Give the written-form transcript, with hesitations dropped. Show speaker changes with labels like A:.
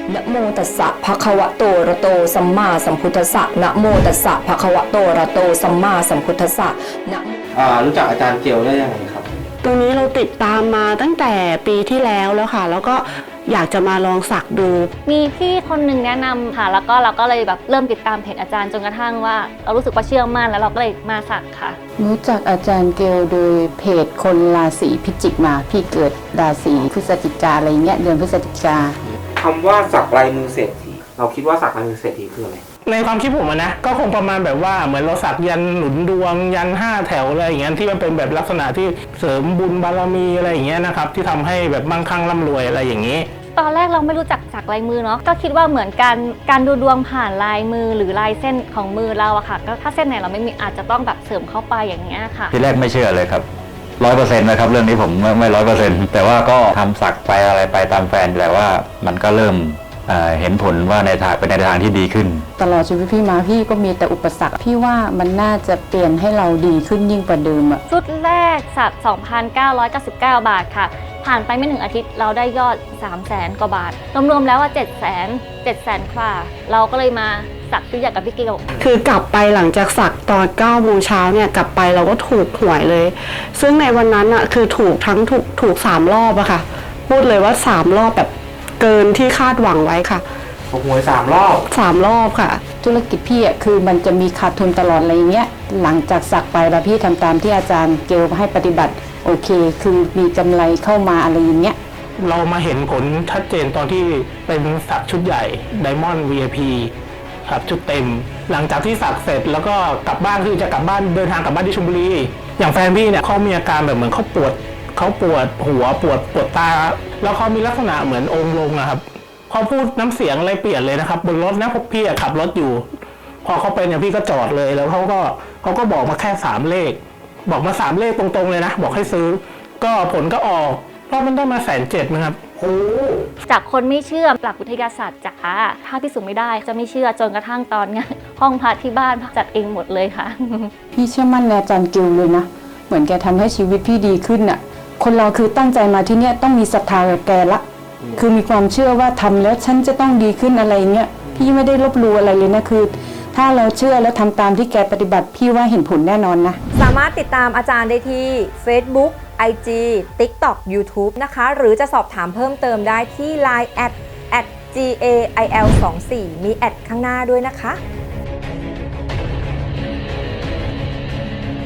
A: นะโมตัสสะภะคะวะโตอะระโตสัมมาสัมพุทธัสสะนะโมตัสสะภะคะวะโตอะระโตสัมมาสัมพุทธัสสะนะ
B: รู้จักอาจารย์เกียวได้ยังไงครับ
C: ตรงนี้เราติดตามมาตั้งแต่ปีที่แล้วค่ะแล้วก็อยากจะมาลองสักดู
D: มีพี่คนหนึ่งแนะนำค่ะแล้วก็เราก็เลยแบบเริ่มติดตามเพจอาจารย์จนกระทั่งว่าเรารู้สึกว่าเชื่อมั่นแล้วเราก็เลยมาสักค่ะ
E: รู้จักอาจารย์เกลโดยเพจคนราศีพิจิกมาพี่เกิดราศีพฤศจิกาอะไรเงี้ยเดือนพฤศจิกา
B: คำว่าสักลายมือเศรษฐีเราคิดว่าสักลายมือเศรษฐีคืออะไร
F: ในความคิดผมนะก็คงประมาณแบบว่าเหมือนเราสักยันหนุนดวงยัน5 แถวอะไรอย่างเงี้ยที่มันเป็นแบบลักษณะที่เสริมบุญบารมีอะไรอย่างเงี้ยนะครับที่ทำให้แบบมั่งคั่งร่ำรวยอะไรอย่างนี้
D: ตอนแรกเราไม่รู้จักสักลายมือเนาะก็คิดว่าเหมือนการดูดวงผ่านลายมือหรือลายเส้นของมือเราอะค่ะก็ถ้าเส้นไหนเราไม่มีอาจจะต้องแบบเสริมเข้าไปอย่างเงี้ยค่ะ
G: ทีแรกไม่เชื่อเลยครับ100%นะครับเรื่องนี้ผมไม่100%แต่ว่าก็ทำสักไปอะไรไปตามแฟนแต่ว่ามันก็เริ่มเห็นผลว่าเป็นในทางที่ดีขึ้น
E: ตลอดชีวิตพี่มาพี่ก็มีแต่อุปสรรคพี่ว่ามันน่าจะเปลี่ยนให้เราดีขึ้นยิ่งกว่าเดิมอะ
D: ชุดแรกสัก 2,999 บาทค่ะผ่านไปไม่ถึงอาทิตย์เราได้ยอด 300,000 กว่าบาทรวมๆแล้วว่า 700,000 ค่ะเราก็เลยมาสักชุดใหญ่กับพี่เกล
C: คือกลับไปหลังจากสักตอน9 โมงเช้าเนี่ยกลับไปเราก็ถูกหวยเลยซึ่งในวันนั้นอะคือถูก3 รอบอะค่ะพูดเลยว่า3 รอบแบบเกินที่คาดหวังไว้ค่ะ
B: ถูกหวย3 รอบ
C: 3 รอบค่ะ
E: ธุรกิจพี่อะคือมันจะมีขาดทุนตลอดอะไรเงี้ยหลังจากสักไปแล้วพี่ทำตามที่อาจารย์เกลให้ปฏิบัติโอเคคือมีกำไรเข้ามาอะไรอย่างเงี้ย
F: เรามาเห็นผลชัดเจนตอนที่เป็นสักชุดใหญ่ Diamond VIP ครับชุดเต็มหลังจากที่สักเสร็จแล้วก็กลับบ้านคือจะกลับบ้านเดินทางกลับบ้านที่ชลบุรีอย่างแฟนพี่เนี่ยเขามีอาการแบบเหมือนเขาปวดหัวปวดตาแล้วเขามีลักษณะเหมือนองค์ลงนะครับเขาพูดน้ำเสียงอะไรเปลี่ยนเลยนะครับบนรถนะพี่ขับรถอยู่พอเขาเป็นเนี่ยพี่ก็จอดเลยแล้วเขาก็บอกมาแค่3 เลขบอกมา3 เลขตรงๆเลยนะบอกให้ซื้อก็ผลก็ออกเพราะมันได้มา170,000นะครับ
D: จากคนไม่เชื่อหลักวิทยาศาสตร์จ๋าถ้าพิสูจน์ไม่ได้จะไม่เชื่อจนกระทั่งตอนงานห้องพักที่บ้านจัดเองหมดเลยค่ะ
E: พี่เชื่อมั่นในอาจารย์เกลเลยนะเหมือนแกทำให้ชีวิตพี่ดีขึ้นน่ะคนเราคือตั้งใจมาที่นี่ต้องมีศรัทธาแกละคือมีความเชื่อว่าทำแล้วฉันจะต้องดีขึ้นอะไรเงี้ยพี่ไม่ได้ลบหลู่อะไรเลยนะคือถ้าเราเชื่อแล้วทำตามที่แกปฏิบัติพี่ว่าเห็นผลแน่นอนนะ
H: สามารถติดตามอาจารย์ได้ที่ Facebook IG TikTok YouTube นะคะหรือจะสอบถามเพิ่มเติมได้ที่ Line @GAIL24 มีแอดข้างหน้าด้วยนะคะ